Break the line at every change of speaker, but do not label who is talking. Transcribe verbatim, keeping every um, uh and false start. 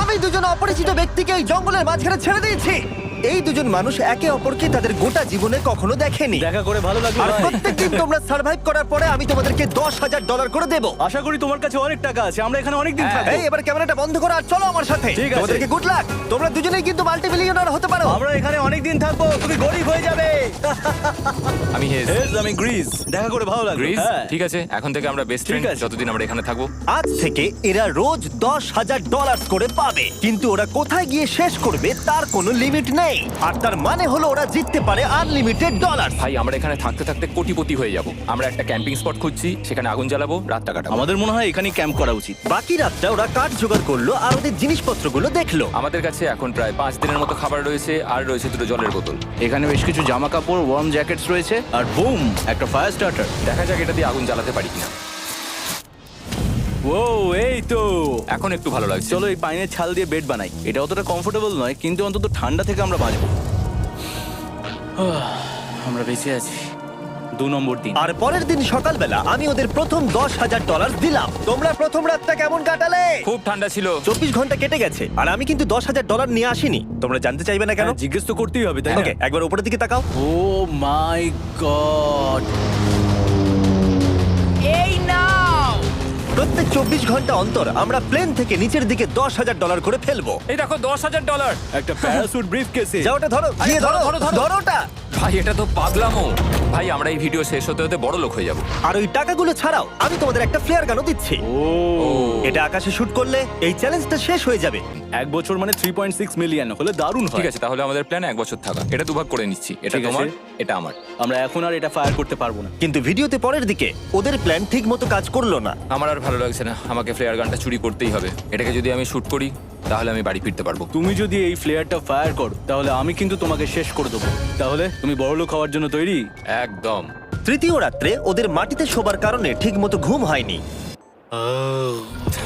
আমি দুজন অপরিচিত ব্যক্তিকে এই জঙ্গলের মাঝখানে ছেড়ে দিয়েছি। এই দুজন মানুষ একে অপরকে তাদের গোটা জীবনে কখনো দেখেনি।
দেখা করে ভালো লাগলো
আর
ভাই।
প্রত্যেকদিন তোমরা সার্ভাইভ করার পরে আমি তোমাদেরকে দশ হাজার ডলার করে দেবো।
আশা করি তোমার কাছে অনেক টাকা আছে, আমরা এখানে অনেক দিন থাকবো।
এই এবার ক্যামেরাটা বন্ধ করো আর চলো আমার সাথে।
ঠিক আছে।
তোমাদেরকে গুড লাক। তোমরা দুজনেই কিন্তু মাল্টি মিলিয়নার হতে পারো।
আমরা এখানে অনেক দিন থাকবো, তুমি গরিব হয়ে যাবে।
আমি হেজ
হেজ, আমি গ্রিস। দেখা করে ভালো লাগলো।
গ্রিস
হ্যাঁ।
ঠিক আছে, এখন থেকে আমরা বেস্ট ফ্রেন্ড
আছে।
যতদিন আমরা এখানে থাকবো।
আজ থেকে এরা রোজ দশ হাজার ডলার করে পাবে, কিন্তু ওরা কোথায় গিয়ে শেষ করবে তার কোনো লিমিট নেই। আর তার মানে হলো ওরা জিততে পারে আনলিমিটেড ডলার।
ভাই আমরা এখানে থাকতে থাকতে কোটিপতি হয়ে যাব। আমরা একটা ক্যাম্পিং স্পট খুঁজছি, সেখানে আগুন জ্বালাবো, রাতটা কাটাবো।
আমাদের মনে হয় এখানেই ক্যাম্প করা উচিত।
বাকি রাতটা ওরা কাঠ জোগাড় করলো আর ওদের জিনিসপত্রগুলো দেখলো।
আমাদের কাছে এখন প্রায় পাঁচ দিনের মতো খাবার রয়েছে, আর রয়েছে দুটো জলের বোতল।
এখানে বেশ কিছু জামা কাপড়, ওয়ার্ম জ্যাকেটস রয়েছে, আর বুম, একটা ফায়ার স্টার্টার।
দেখা যাক এটা দিয়ে আগুন জ্বালাতে পারি কিনা।
ও এই তো।
এখন একটু ভালো লাগছে।
চলো এই পাইনের ছাল দিয়ে বেড বানাই। এটা অতটা কমফোর্টেবল নয়, কিন্তু অন্তত ঠান্ডা থেকে আমরা বাঁচবো। আমরা বেঁচে আছি। দু নম্বর দিন।
আর পরের দিন সকালবেলা আমি ওদের প্রথম দশ হাজার ডলার দিলাম। তোমরা প্রথম রাতটা কেমন কাটালে?
খুব ঠান্ডা ছিল।
চব্বিশ ঘন্টা কেটে গেছে আর আমি কিন্তু দশ হাজার ডলার নিয়ে আসিনি। তোমরা জানতে চাইবে না কেন?
হ্যাঁ, জিজ্ঞেস তো করতেই হবে, তাই না?
ওকে, একবার উপরের দিকে তাকাও।
Oh my God.
প্রত্যেক চব্বিশ ঘন্টা অন্তর আমরা প্লেন থেকে নিচের দিকে দশ হাজার ডলার করে ফেলবো।
এই দেখো দশ হাজার ডলার।
একটা প্যারাসুট ব্রিফকেসে।
যা ওটা ধরো,
আরে
গিয়ে ধরো,
ধরো, ধরো, ধরো।
ধরো ওটা।
ভাই এটা তো পাগলামো। ভাই আমরা এই ভিডিও শেষ হতে হতে বড় লোক হয়ে যাব।
আর ওই টাকাগুলো ছাড়াও আমি তোমাদের একটা ফ্লেয়ার গানও দিচ্ছি।
ও
এটা আকাশে শুট করলে এই চ্যালেঞ্জটা শেষ হয়ে যাবে।
এক বছর মানে থ্রি পয়েন্ট সিক্স মিলিয়ন হলে দারুণ হয়।
ঠিক আছে, তাহলে আমাদের প্ল্যান এক বছর থাকা। এটা দুভাগ করে নিচ্ছি, এটা
ঠিক আছে।
তোমার, এটা আমার।
আমরা এখন আর এটা ফায়ার করতে পারবো না।
কিন্তু ভিডিওতে পরের দিকে ওদের প্ল্যান ঠিক মতো কাজ করলো না।
আমার আর ভালো লাগছে না, আমাকে ফ্লেয়ার গানটা চুরি করতেই হবে। এটাকে যদি আমি শুট করি তাহলে আমি বাড়ি ফিরতে পারবো।
তুমি যদি এই ফ্লেয়ারটা ফায়ার করো তাহলে আমি কিন্তু তোমাকে শেষ করে দেবো। তাহলে তুমি বড়লোক হওয়ার জন্য তৈরি?
একদম।
তৃতীয় রাত্রে ওদের মাটিতে শোবার কারণে ঠিক মতো ঘুম হয়নি।